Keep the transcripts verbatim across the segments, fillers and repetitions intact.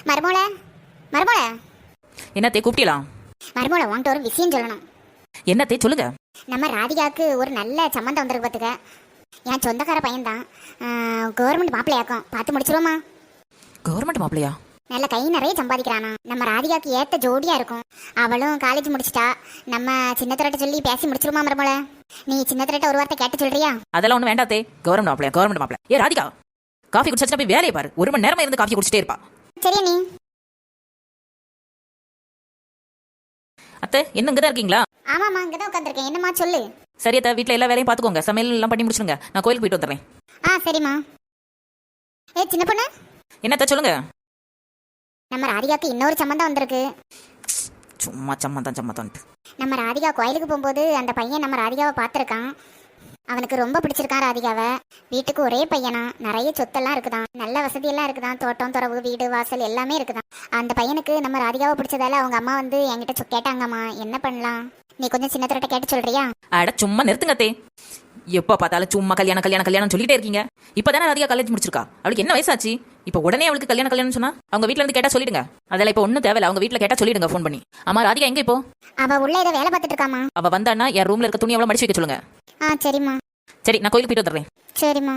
மருமோள மருமோள என்னத்தே கூப்பிட்டலாம்? மருமோள உன்கிட்ட ஒரு விஷயம் சொல்லணும். என்னத்தே சொல்லுங்க. நம்ம ராதிகாவுக்கு ஒரு நல்ல சம்மந்தம் வந்திருக்கு பார்த்துக்க. என் சொந்தக்கார பையன்தான், கவர்மெண்ட் மாப்பிள்ளையாக்கும். பார்த்து முடிச்சிருவோமா? கவர்மெண்ட் மாப்பிள்ளையா? நல்ல கை நிறைய சம்பாதிக்கிறானா. நம்ம ராதிகாவுக்கு ஏற்ற ஜோடியா இருக்கும். அவளும் காலேஜ் முடிச்சிட்டா. நம்ம சின்னத்திரட்ட சொல்லி பேசி முடிச்சிருமா மருமோள? நீ சின்னத்திரட்ட ஒரு வார்த்தை கேட்டு சொல்றியா? அதெல்லாம் ஒன்றும் வேண்டாத்தே. கவர்மெண்ட் மாப்பிள்ளையா? கவர்மெண்ட் மாப்பிள்ளை. ஏ ராதிகா, காஃபி குடிச்சா போய் வேலையை பாரு. ஒரு மணி நேரமா இருந்து காஃபி குடிச்சிட்டே இருப்பா. சரியா நீ? அத்தை என்ன இங்கே தான் இருக்கீங்களா? ஆமாம்மா, இங்கே தான் உட்காந்துருக்கேன். என்னம்மா சொல்லு. சரி அத்தை, வீட்டில் எல்லா வேலையும் பார்த்துக்கோங்க. சமையல் எல்லாம் பண்ணி முடிச்சுருங்க. நான் கோயிலுக்கு போயிட்டு வந்துடுறேன். ஆ சரிம்மா. ஏ சின்ன பொண்ணு, என்னத்த சொல்லுங்க. நம்ம ராதிகாவுக்கு இன்னொரு சம்மந்தம் வந்திருக்கு. சும்மா சம்மந்தம் சம்மந்தம்ட்டு. நம்ம ராதிகா கோயிலுக்கு போகும்போது அந்த பையன் நம்ம ராதிகாவை பார்த்துருக்கான். அவனுக்கு ரொம்ப பிடிச்சிருக்கான் ராதிகாவை. வீட்டுக்கு ஒரே பையனா, நிறைய சொத்தெல்லாம் இருக்குதான், நல்ல வசதியெல்லாம் இருக்குதான், தோட்டம் துறவு வீடு வாசல் எல்லாமே இருக்குதான். அந்த பையனுக்கு நம்ம ராதிகாவை பிடிச்சதால அவங்க அம்மா வந்து என்கிட்ட சொ- கேட்டாங்கம்மா, என்ன பண்ணலாம்? நீ கொஞ்சம் சின்ன திரட்ட கேட்டு சொல்றியா? அட சும்மா நிறுத்துங்க அத்தே. எப்போ பார்த்தாலும் சும்மா கல்யாணம் கல்யாணம் கல்யாணம் சொல்லிட்டே இருக்கீங்க. இப்போதானே ராதிகா காலேஜ் முடிச்சிருக்கா. அவளுக்கு என்ன வயசாச்சு? இப்போ உடனே அவளுக்கு கல்யாணம் கல்யாணம் சொன்னா அவங்க வீட்டில் இருந்து கேட்டா சொல்லிடுங்க. அதெல்லாம் இப்போ ஒன்றும் தேவையில்ல. அவங்க வீட்டில் கேட்டா சொல்லிடுங்க ஃபோன் பண்ணி. ஆமா ராதிகா எங்க இப்போ? அவ உள்ள ஏதோ வேலை பார்த்துட்டு இருக்காமா. அவ வந்தான்னா என் ரூம்ல இருக்க துணி எவ்வளோ மடிச்சு வைக்க சொல்லுங்க. ஆ சரிம்மா. சரி, நான் கோயிலுக்கு போயிட்டு வந்துடுறேன். சரிம்மா.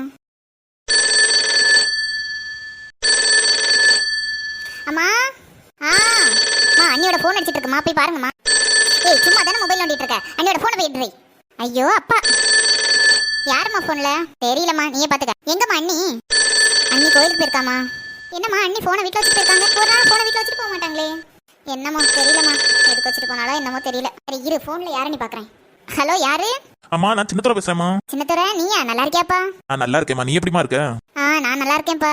அம்மா ஆ அம்மா, அண்ணியோட ஃபோன் அடிச்சிட்டு இருக்குமா, போய் பாருங்கம்மா. ஏய் சும்மா தானே மொபைல் நோண்டிட்டு இருக்க, அண்ணியோட ஃபோனை போய் எடுறி. ஐயோ அப்பா, யாரும்மா ஃபோன்ல? தெரியலம்மா, நீயே பாத்துக்க. எங்கம்மா அண்ணி? அண்ணி கோயிலுக்கு போயிருக்காமா. என்னம்மா அண்ணி ஃபோனை வீட்டில் வச்சுட்டு போயிருக்காங்க? ஒரு நாள் ஃபோனை வீட்டில் வச்சுட்டு போக மாட்டாங்களே. என்னம்மா தெரியலம்மா, எதுக்கு வச்சுட்டு போனாலோ என்னமோ தெரியல. சரி இரு, ஃபோன்ல யாருன்னு பாக்குறேன். ஹலோ, யாரு? அம்மா, நான் சின்னத்துறை பேசுறேம்மா. சின்னத்துறை, நீயா? நல்லா இருக்கியாப்பா? நான் நல்லா இருக்கேம்மா. நீ எப்படிமா இருக்க? ஆ நான் நல்லா இருக்கேன்ப்பா.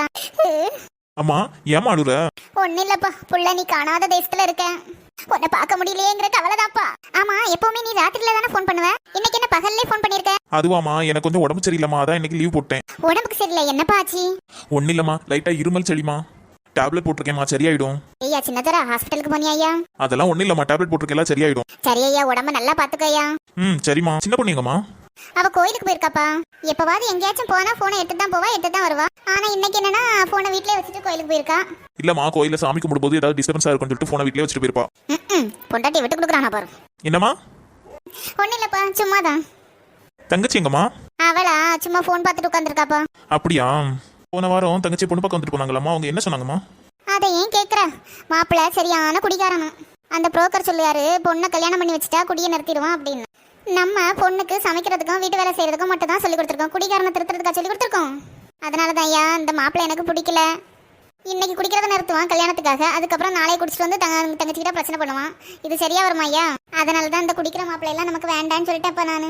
அம்மா, ஏமா அழுற? ஒன்னும் இல்லப்பா, புள்ள நீ காணாத தேசத்துல இருக்க. உன்னை பார்க்க முடியலையேங்கிற கவலைதாப்பா. ஆமா, எப்பவுமே நீ ராத்திரில தானே ஃபோன் பண்ணுவ. இன்னைக்கு என்ன பகல்லே ஃபோன் பண்ணிருக்க? அதுவாமா, எனக்கு கொஞ்சம் உடம்பு சரியில்லைம்மா, அதான் இன்னைக்கு லீவ் போட்டேன். உடம்புக்கு சரியில்லை, என்னப்பா ஆச்சு? ஒன்னும் இல்லம்மா, லைட்டா இருமல் செடிமா. டேப்லெட் போட்டிருக்கேம்மா, சரியாயிடும். ஐயா சின்னதரா, ஹாஸ்பிட்டலுக்கு போனியா ஐயா? அதெல்லாம் ஒன்னும் இல்லம்மா, டேப்லெட் போட்டிருக்கேன், சரியாயிடும். சரி ஐயா, உடம்ப நல்லா பாத்துக்க ஐயா. ம் சரிம்மா. சின்ன பொண்ணுங்கம்மா? அவ கோயிலுக்கு போயிருக்காப்பா. எப்பவாவது எங்கேயாச்சும் போனா போனை எடுத்து தான் போவா, எடுத்து தான் வருவா. ஆனா இன்னைக்கு என்னன்னா போனை வீட்லயே வச்சுட்டு கோயிலுக்கு போயிருக்கா. இல்லம்மா, கோயில சாமி கும்பிடும்போது ஏதாவது டிஸ்டர்பன்ஸா இருக்கும்னு சொல்லிட்டு போனை வீட்லயே வச்சுட்டு போயிருப்பா. ம் பொண்டாட்டி விட்டு கொடுக்குறானா பாரு. என்னம்மா? ஒன்னும் இல்லப்பா, சும்மாதான். தங்கச்சி எங்கம்மா? அவளா சும்மா போன் பார்த்துட்டு உட்காந்துருக்காப்பா. அப்படியா? போன வாரம் தங்கச்சி பொண்ணு பக்கம் வந்துட்டு போனாங்களாம்மா, அவங்க என்ன சொன்னாங்கம்மா? அதை ஏன் கேக்குற? மாப்பிள்ள சரியான குடிகாரனா. அந்த புரோக்கர் சொல்லுவாரு, பொண்ணை கல்யாணம் பண்ணி வச்சுட்டா குடியை நிறுத்திடுவான் அப்படின்னு. நம்ம பொண்ணுக்கு சமைக்கிறதுக்கும் வீட்டு வேலை செய்யறதுக்கும் மட்டும் தான் சொல்லி கொடுத்துருக்கோம், குடிகாரனை திருத்துறதுக்காக சொல்லி கொடுத்துருக்கோம். அதனாலதான் ஐயா இந்த மாப்பிள்ளை எனக்கு பிடிக்கல. இன்னைக்கு குடிக்கிறத நிறுத்துவான் கல்யாணத்துக்காக, அதுக்கப்புறம் நாளை குடிச்சிட்டு வந்து தங்க தங்கச்சிக்கிட்ட பிரச்சனை பண்ணுவான். இது சரியா வருமா ஐயா? அதனாலதான் இந்த குடிக்கிற மாப்பிள்ளை எல்லாம் நமக்கு வேண்டான்னு சொல்லிட்டேன்ப்பா நானு.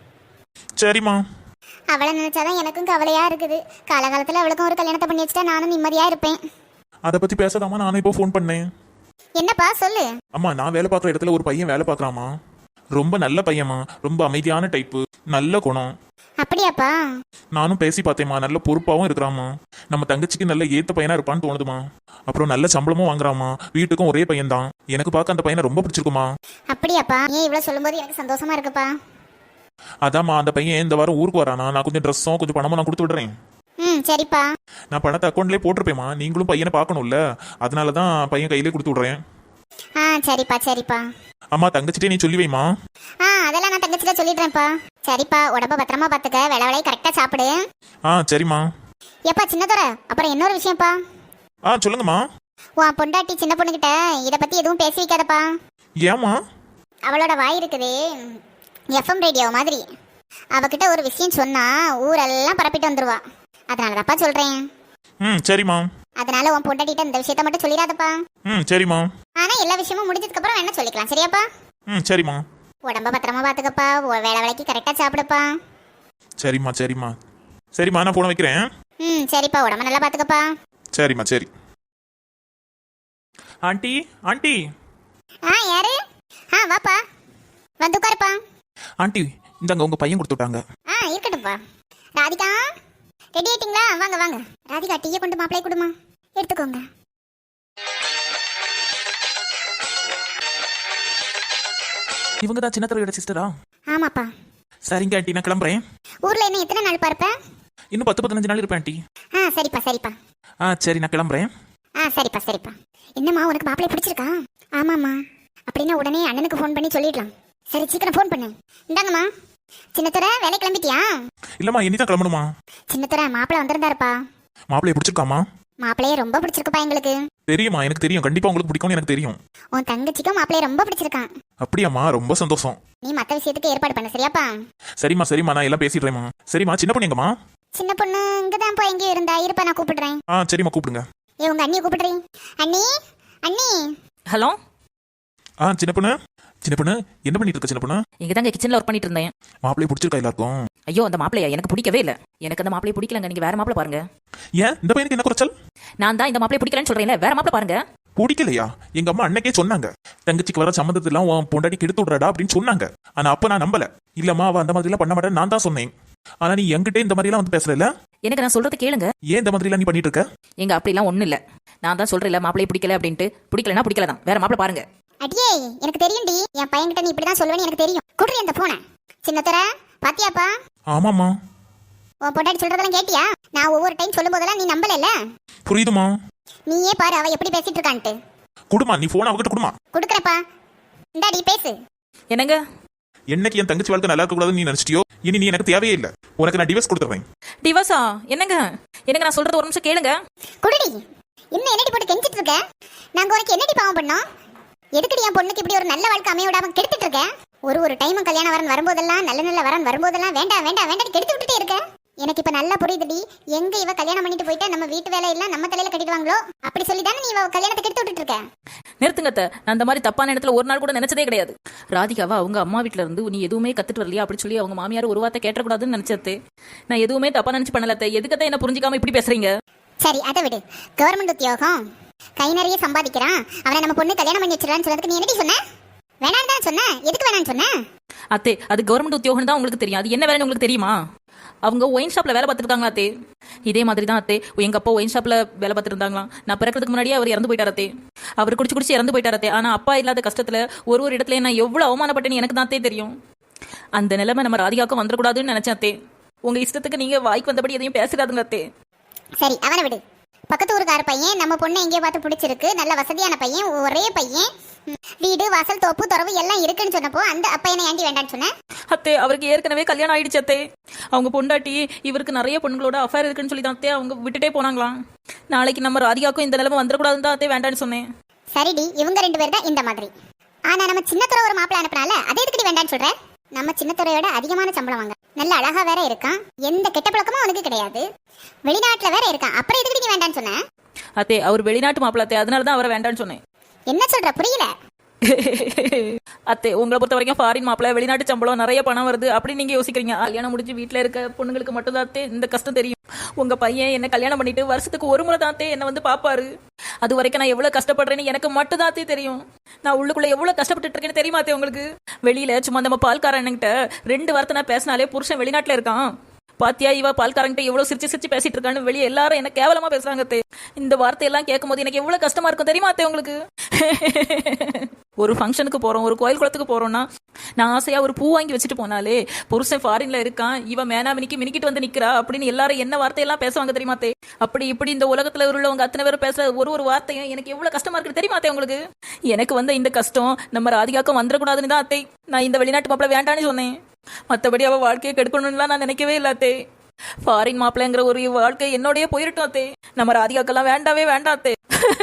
சரிம்மா. அவளை நினைச்சாதான் எனக்கும் கவலையா இருக்குது. காலகாலத்துல அவளுக்கும் ஒரு கல்யாணத்தை பண்ணி வச்சுட்டா நானும் நிம்மதியா இருப்பேன். அதை பத்தி பேசாதாமா நானே இப்போ ஃபோன் பண்ணேன். என்னப்பா சொல்லு. அம்மா, நான் வேலை பார்க்குற இடத்துல ஒரு பையன் வேலை பார்க்குறாமா. ரொம்ப நல்ல பையன்மா, ரொம்ப அமைதியான டைப்பு, நல்ல குணம். அப்படியாப்பா? நானும் பேசி பார்த்தேம்மா, நல்ல பொறுப்பாகவும் இருக்கிறாமா. நம்ம தங்கச்சிக்கு நல்ல ஏத்த பையனா இருப்பான்னு தோணுதுமா. அப்புறம் நல்ல சம்பளமும் வாங்குறாமா. வீட்டுக்கும் ஒரே பையன் தான். எனக்கு பார்க்க அந்த பையனை ரொம்ப பிடிச்சிருக்குமா. அப்படியாப்பா? ஏன் இவ்வளவு சொல்லும்போது எனக்கு சந்தோஷமா இருக்குப்பா. அதாம்மா, அந்த பையன் இந்த வாரம் ஊருக்கு வரானா. நான் கொஞ்சம் ட்ரெஸ்ஸும் கொஞ்சம் பணமும் நான் கொடுத்து விடுறேன். ம் சரிப்பா. நான் பணத்தை அக்கௌண்ட்லேயே போட்டிருப்பேம்மா. நீங்களும் பையனை பார்க்கணும்ல, அதனால தான் பையன் கையிலே கொடுத்து விடுறேன். ஆ சரிப்பா சரிப்பா. அம்மா, தங்கச்சிட்டே நீ சொல்லி வைமா. ஆ அதெல்லாம் நான் தங்கச்சிட்ட சொல்லிடுறேன்ப்பா. சரிப்பா, உடம்ப பத்திரமா பாத்துக்க, வேலை வேலையை கரெக்டா சாப்பிடு. ஆ சரிம்மா. எப்பா சின்னதோர, அப்புறம் இன்னொரு விஷயம்ப்பா. ஆ சொல்லுங்கம்மா. உன் பொண்டாட்டி சின்ன பொண்ணுகிட்ட இதை பத்தி எதுவும் பேசி வைக்காதப்பா. ஏம்மா? அவளோட வாய் இருக்குதே எஃப்எம் ரேடியோ மாதிரி. அவகிட்ட ஒரு விஷயம் சொன்னா ஊரெல்லாம் பரப்பிட்டு வந்துருவா. அதனாலதாப்பா சொல்றேன். ம் சரிம்மா. அதனால உன் பொண்டாட்டிட்ட இந்த விஷயத்த மட்டும் சொல்லிடாதப்பா. ம் சரிம்மா. ஆனா எல்லா விஷயமும் முடிஞ்சதுக்கு அப்புறம் என்ன சொல்லிக்கலாம், சரியாப்பா? ம் சரிம்மா. உடம்ப பத்திரமா பாத்துக்கப்பா, உ- வேலை வேலைக்கு கரெக்டா சாப்பிடுப்பா. சரிம்மா சரிம்மா. சரிம்மா, நான் போன வைக்கிறேன். ம் சரிப்பா, உடம்ப நல்லா பாத்துக்கப்பா. சரிம்மா சரி. Aunty aunty. ஆ யாரு? ஆ வாப்பா, வந்து உட்காருப்பா. ஆண்டி, இந்தாங்க உங்க பையன் கொடுத்து விட்டாங்க. ஆ இருக்கட்டும்ப்பா. ராதிகா ரெடி ஆயிட்டீங்களா? வாங்க வாங்க. ராதிகா டீயை கொண்டு மாப்பிளை கொடுமா, எடுத்துக்கோங்க. இவங்க தான் சின்னத்தரையோட சிஸ்டரா? ஆமாப்பா. சரிங்க ஆண்டி, நான் கிளம்புறேன். ஊர்ல என்ன எத்தனை நாள் பார்ப்ப? இன்னும் பத்து பதினஞ்சு நாள் இருப்பேன் ஆண்டி. ஆ சரிப்பா சரிப்பா. ஆ சரி, நான் கிளம்புறேன். ஆ சரிப்பா சரிப்பா. என்னம்மா உனக்கு மாப்பிள்ளை பிடிச்சிருக்கா? ஆமாம்மா. அப்படின்னா உடனே அண்ணனுக்கு ஃபோன் பண்ணி சொல்லிடலாம். சரி சீக்கிரம் ஃபோன் பண்ணு. இந்தாங்கம்மா. சின்னத்துறை வேலை கிளம்பிட்டியா? இல்லம்மா இனிதான் கிளம்பணுமா? சின்னத்துறை மாப்பிள்ளை வந்திருந்தாருப்பா. மாப்பிள்ளைய பிடிச்சிருக்காமா? மாப்பிள்ளையே ரொம்ப பிடிச்சிருக்குப்பா எங்களுக்கு. தெரியுமா, எனக்கு தெரியும். கண்டிப்பா உங்களுக்கு பிடிக்கும்னு எனக்கு தெரியும். உன் தங்கச்சிக்கும் மாப்பிள்ளைய ரொம்ப பிடிச்சிருக்கான். அப்படியாம்மா, ரொம்ப சந்தோஷம். நீ மத்த விஷயத்துக்கு ஏற்பாடு பண்ண சரியாப்பா? சரிம்மா சரிம்மா, நான் எல்லாம் பேசிடுறேம்மா. சரிம்மா, சின்ன பொண்ணு எங்கம்மா? சின்ன பொண்ணு இங்கதான் போ எங்கேயும் இருந்தா. இருப்பா நான் கூப்பிடுறேன். ஆ சரிம்மா, கூப்பிடுங்க. ஏ உங்க அண்ணியை கூப்பிடுறேன். அண்ணி அண்ணி. ஹலோ. ஆ சின்ன பொண்ணு, சின்ன பொண்ணு என்ன பண்ணிட்டு இருக்க சின்ன பொண்ணு? இங்க தாங்க கிச்சன்ல ஒர்க் பண்ணிட்டு இருந்தேன். மாப்பிள்ளைய பிடிச்சிருக்கா எல்லாருக்கும்? ஐயோ அந்த மாப்பிளையா எனக்கு பிடிக்கவே இல்லை. எனக்கு அந்த மாப்பிளைய பிடிக்கலங்க. நீங்க வேற மாப்பிளை பாருங்க. ஏன் இந்த பையனுக்கு என்ன குறைச்சல்? நான் தான் இந்த மாப்பிளைய பிடிக்கலன்னு சொல்றேன்ல, வேற மாப்பிளை பாருங்க. பிடிக்கலையா? எங்க அம்மா அன்னைக்கே சொன்னாங்க, தங்கச்சிக்கு வர சம்மந்தத்தெல்லாம் உன் பொண்டாட்டி கெடுத்து விடுறாடா அப்படின்னு சொன்னாங்க. ஆனா அப்ப நான் நம்பல. இல்லம்மா அவ அந்த மாதிரி எல்லாம் பண்ண மாட்டேன்னு நான் தான் சொன்னேன். ஆனா நீ என்கிட்ட இந்த மாதிரி எல்லாம் வந்து பேசுறல. எனக்கு நான் சொல்றது கேளுங்க. ஏன் இந்த மாதிரி எல்லாம் நீ பண்ணிட்டு இருக்க? எங்க அப்படிலாம் ஒண்ணும் இல்ல. நான் தான் சொல்றேன்ல மாப்பிளைய பிடிக்கல அப்படின்ட்டு. பிடிக்கலன்னா பிடிக்கல தான். வேற மாப்பிளை பாருங்க. அடியே எனக்கு தெரியும்டி. என் பையன்கிட்ட நீ இப்படிதான் சொல்லுவேன்னு எனக்கு தெரியும். குடுறி அந்த போனை. சின்னத்துறை பாத்தியாப்பா? ஆமாம்மா. உன் பொண்டாட்டி சொல்றதெல்லாம் கேட்டியா? நான் ஒவ்வொரு டைம் சொல்லும் போதெல்லாம் நீ நம்பல. புரியுதுமா? நீயே பாரு அவ எப்படி பேசிட்டு இருக்கான்ட்டு. குடுமா, நீ போன் அவகிட்ட குடுமா. குடுக்கறப்பா. இந்தாடி பேசு. என்னங்க? என்னைக்கு என் தங்கச்சி வாழ்க்கை நல்லா இருக்க கூடாதுன்னு நீ நினைச்சிட்டியோ, இனி நீ எனக்கு தேவையே இல்ல. உனக்கு நான் டிவோர்ஸ் கொடுத்துறேன். டிவோர்ஸா? என்னங்க? எனக்கு நான் சொல்றது ஒரு நிமிஷம் கேளுங்க. குடுடி. இன்னும் என்னடி போட்டு கெஞ்சிட்டு இருக்க? நாங்க உனக்கு என்னடி பாவம் பண்ணோம்? எதுக்குடி என் பொண்ணுக்கு இப்படி ஒரு நல்ல வாழ்க்கை அமைய விடாம கெடுத்துட்டு இருக்க? ஒரு ஒரு டைமும் கல்யாணம் வரன் வரும்போதெல்லாம் நல்ல நல்ல வரன் வரும்போதெல்லாம் வேண்டாம் வேண்டாம் வேண்டாம் கெடுத்து விட்டுட்டே இருக்க. எனக்கு இப்ப நல்லா புரியுதுடி. எங்க இவ கல்யாணம் பண்ணிட்டு போயிட்டா நம்ம வீட்டு வேலை எல்லாம் நம்ம தலையில கட்டிடுவாங்களோ அப்படி சொல்லி தானே நீ இவ கல்யாணத்தை கெடுத்து விட்டுட்டு இருக்க. நிறுத்துங்க அத்தை. நான் அந்த மாதிரி தப்பான இடத்துல ஒரு நாள் கூட நினைச்சதே கிடையாது. ராதிகாவா அவங்க அம்மா வீட்டுல இருந்து நீ எதுவுமே கத்துட்டு வரலையா அப்படி சொல்லி அவங்க மாமியார் ஒரு வார்த்தை கேட்டக்கூடாதுன்னு நினைச்சது. நான் எதுவுமே தப்பா நினைச்சு பண்ணலத்தை. எதுக்கத்தை என்ன புரிஞ்சுக்காம இப்படி பேசுறீங்க? சரி அதை விடு. கவர்மெண்ட் உத்தியோகம் கை நிறைய சம்பாதிக்கிறான், அவனை நம்ம பொண்ணு கல்யாணம் பண்ணி வச்சிடறான்னு சொல்றதுக்கு நீ என்னடி சொன்ன? வேணான்னு தானே சொன்ன. எதுக்கு வேணான்னு சொன்ன? அத்தே அது கவர்மெண்ட் உத்தியோகம் தான் உங்களுக்கு தெரியும். அது என்ன வேலைன்னு உங்களுக்கு தெரியுமா? அவங்க ஒயின் ஷாப்ல வேலை பார்த்துருக்காங்களா அத்தே? இதே மாதிரி தான் அத்தே எங்க அப்பா ஒயின் ஷாப்ல வேலை பார்த்துட்டு இருந்தாங்களாம். நான் பிறக்கிறதுக்கு முன்னாடியே அவர் இறந்து போயிட்டார் அத்தே. அவர் குடிச்சு குடிச்சு இறந்து போயிட்டார் அத்தே. ஆனா அப்பா இல்லாத கஷ்டத்துல ஒரு ஒரு இடத்துல நான் எவ்வளவு அவமானப்பட்டேன்னு எனக்கு தான் அத்தே தெரியும். அந்த நிலைமை நம்ம ராதிகாவுக்கும் வந்துடக்கூடாதுன்னு நினைச்சேன் அத்தே. உங்க இஷ்டத்துக்கு நீங்க வாய்க்கு வந்தபடி எதையும் பேசிடாதுங்க அத்தே. சரி அவனை விடு. பக்கத்து ஊருக்கார பையன் நம்ம பொண்ணை எங்கேயோ பார்த்து பிடிச்சிருக்கு, நல்ல வசதியான பையன், ஒரே பையன், வீடு வாசல் தோப்பு துறவு எல்லாம் இருக்குன்னு சொன்னப்போ அந்த அப்பையனை ஏண்டி வேண்டான்னு சொன்ன? அத்தே அவருக்கு ஏற்கனவே கல்யாணம் ஆயிடுச்சு அத்தே. அவங்க பொண்டாட்டி இவருக்கு நிறைய பொண்ணுங்களோட அஃபேர் இருக்குன்னு சொல்லி தான் அத்தே அவங்க விட்டுட்டே போனாங்களாம். நாளைக்கு நம்ம ராதிகாக்கும் இந்த நிலைமை வந்துடக்கூடாதுன்னு தான் அத்தே வேண்டான்னு சொன்னேன். சரிடி இவங்க ரெண்டு பேர் தான் இந்த மாதிரி. ஆனா நம்ம சின்னத்துறை ஒரு மாப்பிள்ளை அனுப்பினால அதே எதுக்கு வேண்டான்னு சொல்ற? நம்ம சின்னத்துறையோட அதிகமான சம்பளம் வாங்க, நல்ல அழகா வேற இருக்கான், எந்த கெட்ட பழக்கமும் அவனுக்கு கிடையாது, வெளிநாட்டுல வேற இருக்கான், அப்புறம் எதுக்கு நீ வேண்டான்னு சொன்ன? அத்தே அவர் வெளிநாட்டு மாப்பிள்ளை அத்தே, அதனால தான் அவரை வேண்டான்னு சொன்னேன். என்ன சொல்ற புரியல? அத்தே உங்களை பொறுத்த வரைக்கும் ஃபாரின் மாப்பிள்ளை, வெளிநாட்டு சம்பளம், நிறைய பணம் வருது அப்படின்னு நீங்க யோசிக்கிறீங்க. கல்யாணம் முடிஞ்சு வீட்டுல இருக்க பொண்ணுங்களுக்கு மட்டும் தான் அத்தே இந்த கஷ்டம் தெரியும். உங்க பையன் என்ன கல்யாணம் பண்ணிட்டு வருஷத்துக்கு ஒரு முறை தான் அத்தே என்ன வந்து பாப்பாரு. அது வரைக்கும் நான் எவ்வளவு கஷ்டப்படுறேன்னு எனக்கு மட்டும் தான் அத்தே தெரியும். நான் உள்ளுக்குள்ள எவ்வளவு கஷ்டப்பட்டு இருக்கேன்னு தெரியுமா அத்தே உங்களுக்கு? வெளியில சும்மா நம்ம பால்காரன்கிட்ட ரெண்டு வார்த்தை நான் பேசினாலே புருஷன் வெளிநாட்டுல இருக்கான், பாத்தியா இவ பால்காரங்கிட்ட எவ்வளவு சிரிச்சு சிரிச்சு பேசிட்டு இருக்கான்னு வெளியே எல்லாரும் என்ன கேவலமா பேசுறாங்க அத்தே. இந்த வார்த்தையெல்லாம் கேட்கும் போது எனக்கு எவ்வளவு கஷ்டமா இருக்கும் தெரியுமா அத்தே உங்களுக்கு? ஒரு ஃபங்க்ஷனுக்கு போறோம், ஒரு கோயில் குளத்துக்கு போறோம்னா நான் ஆசையா ஒரு பூ வாங்கி வச்சுட்டு போனாலே புருஷன் ஃபாரின்ல இருக்கான், இவ மேனா மினிக்கு மினிக்கிட்டு வந்து நிக்கிறா அப்படின்னு எல்லாரும் என்ன வார்த்தையெல்லாம் பேசுவாங்க தெரியுமா அத்தே? அப்படி இப்படி இந்த உலகத்துல உள்ளவங்க அத்தனை பேரும் பேசுற ஒரு ஒரு வார்த்தையும் எனக்கு எவ்வளவு கஷ்டமா இருக்கு தெரியுமா அத்தே உங்களுக்கு? எனக்கு வந்த இந்த கஷ்டம் நம்ம ராதிகாக்கும் வந்துடக்கூடாதுன்னு தான் அத்தை நான் இந்த வெளிநாட்டு மாப்பிள்ளை வேண்டான்னு சொன்னேன். மற்றபடி அவ வாழ்க்கையை கெடுக்கணும்லாம் நான் நினைக்கவே இல்லை அத்தே. ஃபாரின் மாப்பிள்ளைங்கிற ஒரு வாழ்க்கை என்னோடய போயிட்டோம் அத்தே. நம்ம ராதிகாக்கெல்லாம் வேண்டாவே வேண்டாம் அத்தே.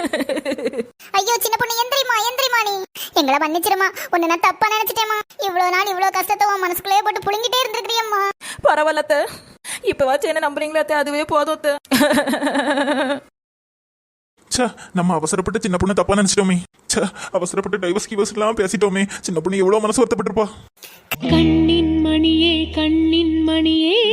ஐயோ சின்ன பொண்ணு எந்திரிமா எந்திரிமா, நீ எங்களை மன்னிச்சிருமா. உன்னை நான் தப்பா நினைச்சிட்டேமா. இவ்வளவு நாள் இவ்வளவு கஷ்டத்தை உன் மனசுக்குள்ளே போட்டு புழுங்கிட்டே இருந்திருக்கிறியம்மா. பரவாயில்ல அத்தை, இப்பவாச்சும் என்ன நம்புறீங்களா அத்தை? அதுவே போதும் அத்தை. நம்ம அவசரப்பட்டு சின்ன பொண்ணு தப்பா நினைச்சிட்டோமே. அவசரப்பட்டு டைவர்ஸ் கிவர்ஸ் எல்லாம் பேசிட்டோமே. சின்ன பொண்ணு எவ்வளவு மனசு வருத்தப்பட்டிருப்பா. கண்ணின் மணியே கண்ணின் மணியே